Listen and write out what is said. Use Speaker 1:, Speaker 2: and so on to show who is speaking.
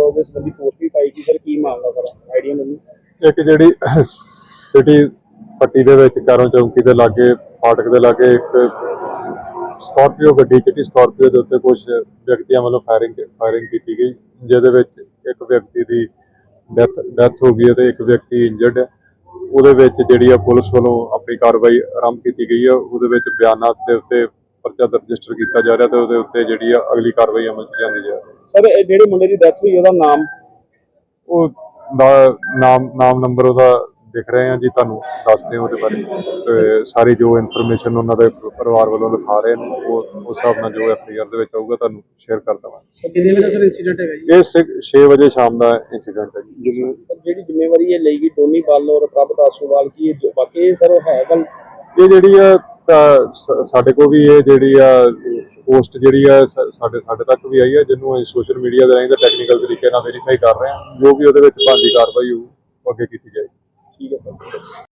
Speaker 1: ਉਹਦੇ ਸੰਬੰਧੀ ਪੋਸਟ ਵੀ ਪਾਈ ਕਿ ਸਰ ਕੀ ਮਾਮਲਾ ਸਰ ਆਈਡੀਆ ਮੈਨੂੰ।
Speaker 2: ਇੱਕ ਜਿਹੜੀ ਸਿਟੀ ਪੱਟੀ ਦੇ ਵਿੱਚ ਕਾਰੋਂ ਚੌਂਕੀ ਦੇ ਲਾਗੇ ਫਾਟਕ ਦੇ ਲਾਗੇ ਇੱਕ ਸਕਾਰਪੀਓ ਗੱਡੀ ਚਿੱਟੀ ਸਕਾਰਪੀਓ ਦੇ ਉੱਤੇ ਕੁਝ ਵਿਅਕਤੀਆਂ ਵੱਲੋਂ ਫਾਇਰਿੰਗ ਕੀਤੀ ਗਈ, ਜਿਹਦੇ ਵਿੱਚ ਇੱਕ ਵਿਅਕਤੀ ਦੀ ਡੈਥ ਹੋ ਗਈ ਅਤੇ ਇੱਕ ਵਿਅਕਤੀ ਇੰਜਰਡ ਹੈ। ਉਹਦੇ ਵਿੱਚ ਜਿਹੜੀ ਆ ਪੁਲਿਸ ਵੱਲੋਂ ਆਪਣੀ ਕਾਰਵਾਈ ਆਰੰਭ ਕੀਤੀ ਗਈ ਹੈ। ਉਹਦੇ ਵਿੱਚ ਬਿਆਨਾਂ ਦੇ ਉੱਤੇ ਪਰਚਾ ਰਜਿਸਟਰ ਕੀਤਾ ਜਾ ਰਿਹਾ ਤੇ ਉਹਦੇ ਉੱਤੇ ਜਿਹੜੀ ਆ ਅਗਲੀ ਕਾਰਵਾਈ ਅਮਲ 'ਚ ਲਿਆਂਦੀ ਜਾ ਰਹੀ ਹੈ।
Speaker 1: ਸਰ ਜਿਹੜੇ ਮੁੰਡੇ ਦੀ ਡੈਥ ਹੋਈ ਉਹਦਾ ਨਾਮ
Speaker 2: ਉਹ ਨਾਮ ਨੰਬਰ ਉਹਦਾ ਦਿਖ ਰਹੇ ਆ ਜੀ, ਤੁਹਾਨੂੰ ਦੱਸਦੇ ਹਾਂ ਉਹਦੇ ਬਾਰੇ। ਤੇ ਸਾਰੀ ਜੋ ਇਨਫੋਰਮੇਸ਼ਨ ਉਹਨਾਂ ਦੇ ਪਰਿਵਾਰ ਵੱਲੋਂ ਲਿਖਾ ਰਹੇ ਨੇ ਉਹ ਉਸ ਹਿਸਾਬ ਨਾਲ ਜੋ ਐਫਆਈਆਰ ਦੇ ਵਿੱਚ ਆਊਗਾ ਤੁਹਾਨੂੰ ਸ਼ੇਅਰ ਕਰ ਦੇਵਾਂਗੇ।
Speaker 1: ਸਰ ਕਿੰਨੇ ਵਜੇ ਦਾ ਸਰ ਇਨਸੀਡੈਂਟ ਹੈਗਾ ਜੀ?
Speaker 2: ਇਹ 6 ਵਜੇ ਸ਼ਾਮ ਦਾ ਇੰਸੀਡੈਂਟ ਹੈ ਜੀ।
Speaker 1: ਜਿਹੜੀ ਜ਼ਿੰਮੇਵਾਰੀ ਇਹ ਲਈ ਗਈ ਟੋਨੀ ਬਾਲ ਔਰ ਪ੍ਰਭ ਦਾਸੋਵਾਲ ਕੀ ਬਾਕੀ ਸਰ ਹੈ ਗੱਲ?
Speaker 2: ਇਹ ਜਿਹੜੀ ਆ ਸਾਡੇ ਕੋਲ ਵੀ ਇਹ ਜਿਹੜੀ ਆ ਪੋਸਟ ਜਿਹੜੀ ਆ ਸਾਡੇ ਤੱਕ ਵੀ ਆਈ ਹੈ, ਜਿਹਨੂੰ ਅਸੀਂ ਸੋਸ਼ਲ ਮੀਡੀਆ ਦੇ ਰਾਹੀਂ ਟੈਕਨੀਕਲ ਤਰੀਕੇ ਨਾਲ ਵੈਰੀਫਾਈ ਕਰ ਰਹੇ ਹਾਂ। ਜੋ ਵੀ ਉਹਦੇ ਵਿੱਚ ਬਣਦੀ ਕਾਰਵਾਈ ਹੋਊ ਅੱਗੇ ਕੀਤੀ ਜਾਏਗੀ।
Speaker 1: ਠੀਕ ਹੈ ਸਰ।